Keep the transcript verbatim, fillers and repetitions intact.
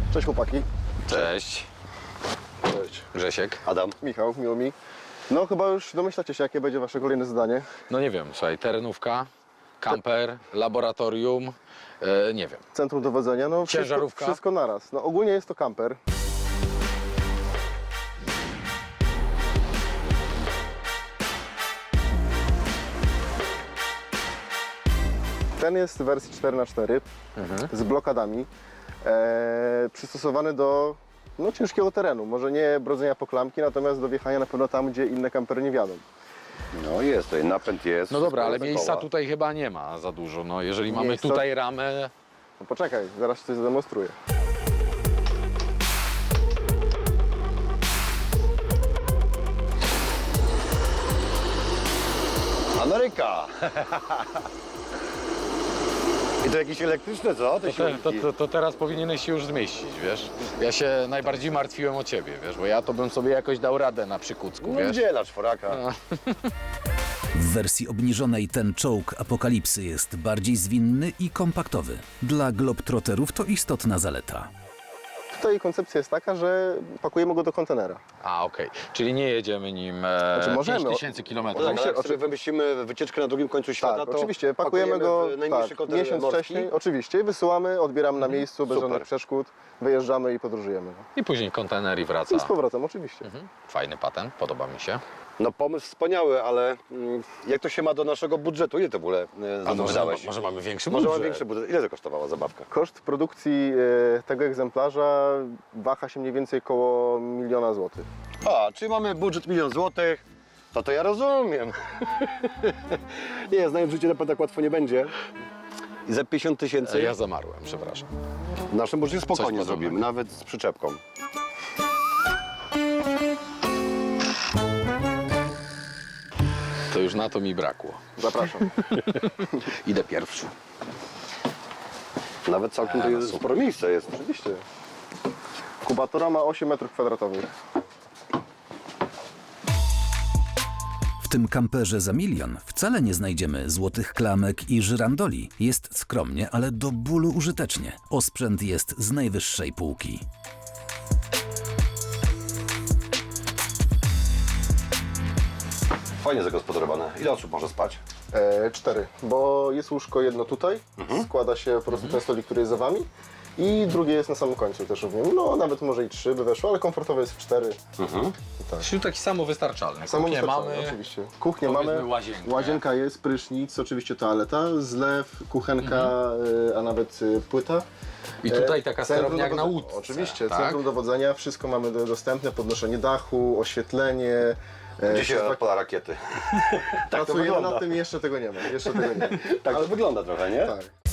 Cześć chłopaki. Cześć. Cześć. Grzesiek. Adam. Michał, miło mi. No chyba już domyślacie się, jakie będzie wasze kolejne zadanie. No nie wiem, słuchaj, terenówka, kamper, laboratorium, e, nie wiem. Centrum dowodzenia, no wszystko, Ciężarówka? wszystko naraz. No ogólnie jest to kamper. Ten jest w wersji cztery na cztery Mhm. z blokadami, e, przystosowany do no, ciężkiego terenu. Może nie brodzenia po klamki, natomiast do wjechania na pewno tam, gdzie inne kampery nie wiadą. No jest, tutaj napęd jest. No dobra, ale wszystko miejsca koła. tutaj chyba nie ma za dużo. No jeżeli mamy Miejsca- tutaj ramę, No poczekaj, zaraz coś zademonstruję. Ameryka! I to jakieś elektryczne, co? Te to, te, silniki? to, to, to teraz powinieneś się już zmieścić, wiesz? Ja się najbardziej martwiłem o ciebie, wiesz, bo ja to bym sobie jakoś dał radę na Przykucku, No wiesz? wdziela czworaka. No. W wersji obniżonej ten czołg Apokalipsy jest bardziej zwinny i kompaktowy. Dla globtroterów to istotna zaleta. Tutaj koncepcja jest taka, że pakujemy go do kontenera. A, okej. Czyli nie jedziemy nim e, Znaczy możemy, pięć tysięcy No kilometrów. tak, ale jak Oczy- sobie wymyślimy wycieczkę na drugim końcu świata, Tak, to oczywiście, pakujemy go w najmniejszy tak, kontener miesiąc morski. wcześniej, oczywiście, wysyłamy, odbieramy na miejscu, bez Super. żadnych przeszkód, wyjeżdżamy i podróżujemy. I później kontener i wraca. I z powrotem, oczywiście. Mhm. Fajny patent, podoba mi się. No pomysł wspaniały, ale mm, jak to się ma do naszego budżetu? Ile to w ogóle e, za A to może, wydałeś? może mamy większy Może budżet? mam większy budżet. Ile to kosztowała zabawka? Koszt produkcji e, tego egzemplarza waha się mniej więcej koło miliona złotych. A, czyli mamy budżet milion złotych, to to ja rozumiem. Nie, znając życie na pewno tak łatwo nie będzie. I za pięćdziesiąt tysięcy Ja zamarłem, przepraszam. w naszym budżecie spokojnie Coś zrobimy, podobnego. nawet z przyczepką. To już na to mi brakło. Zapraszam. Idę pierwszy. Nawet całkiem to jest sporo miejsca jest. Oczywiście. Kubatura ma osiem metrów kwadratowych. W tym kamperze za milion wcale nie znajdziemy złotych klamek i żyrandoli. Jest skromnie, ale do bólu użytecznie. Osprzęt jest z najwyższej półki. Fajnie zagospodarowane. Ile osób może spać? E, cztery, bo jest łóżko jedno tutaj, składa się po prostu ten stolik, który jest za wami i drugie jest na samym końcu też również. No nawet może i trzy by weszło, ale komfortowo jest w cztery. Tak. Czyli taki samowystarczalny. Samo Kuchnię wystarczalne, mamy. oczywiście. Kuchnię Powiedzmy mamy, łazienkę. łazienka jest, prysznic, oczywiście toaleta, zlew, kuchenka, e, a nawet e, płyta. I tutaj taka E, centrum sterownia jak na dowodzenia- łódce. Oczywiście, tak? centrum dowodzenia, wszystko mamy do, dostępne, podnoszenie dachu, oświetlenie. e, Gdzie się tak- odpala rakiety? Tak to Pracujemy wygląda. nad tym i jeszcze tego nie ma. Jeszcze tego nie ma. Tak to wygląda trochę, nie? Tak.